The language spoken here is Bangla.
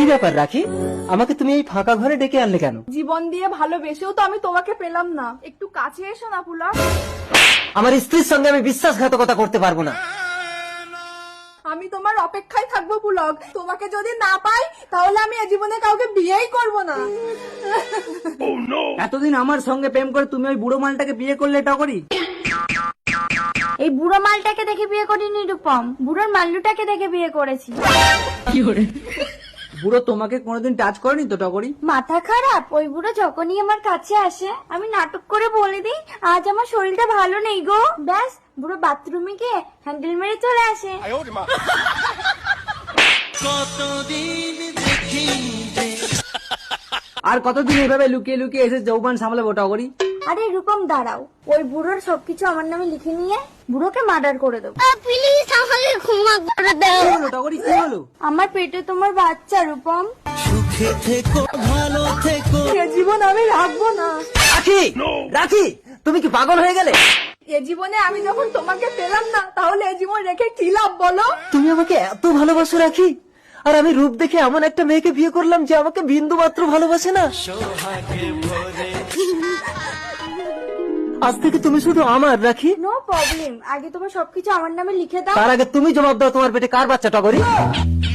কি ব্যাপার রাখি, আমাকে তুমি এই ফাঁকা ঘরে ডেকে আনলে কেন? জীবন দিয়ে ভালোবেসেও তো আমি তোমাকে পেলাম না, একটু কাছে এসো না পুলক। আমার স্ত্রীর সঙ্গে আমি বিশ্বাসঘাতকতা করতে পারবো না। আমি তোমার অপেক্ষায় থাকবো পুলক, তোমাকে যদি না পাই তাহলে আমি এ জীবনে কাউকে বিয়েই করব না। এতদিন আমার সঙ্গে প্রেম করে তুমি ওই বুড়ো মালটাকে বিয়ে করলে টগরি? এই বুড়ো মালটাকে দেখে বিয়ে করিনি রূপম, বুড়োর মাল্লুটাকে দেখে বিয়ে করেছি। বুড়ো তোমাকে কোনোদিন টাচ করেনি তো টগরি? মাথা খারাপ? ওই বুড়ো যখনই আমার কাছে আসে আমি নাটক করে বলে দিই আজ আমার শরীরটা ভালো নেই গো, ব্যাস বুড়ো বাথরুমে গিয়ে হ্যান্ডেল মেরে চলে আসে। আর কতদিন এইভাবে লুকিয়ে লুকিয়ে এসে যৌবন সামলাবো টগরি? আরে রূপম দাঁড়াও, ওই বুড়োর সবকিছু আমার নামে লিখে নিয়ে বুড়োকে মার্ডার করে দেবো। প্লিজ আমাকে ক্ষমা করে দাও। কি হলো টগরি, কি হলো? আমার পেটে তোমার বাচ্চা রূপম। এ জীবন আমি রাখবো না। রাখি, রাখি, তুমি কি পাগল হয়ে গেলে? এ জীবনে আমি যখন তোমাকে পেলাম না তাহলে এ জীবন রেখে কি লাভ বলো? তুমি আমাকে এত ভালোবাসো রাখি, আর আমি রূপ দেখে এমন একটা মেয়েকে বিয়ে করলাম যে আমাকে বিন্দু মাত্র ভালোবাসে না। আজ থেকে তুমি শুধু আমার রাখি। নো প্রবলেম, আগে তোমার সবকিছু আমার নামে লিখে দাও। তার আগে তুমি জবাব দাও, তোমার পেটে কার বাচ্চা টগরি?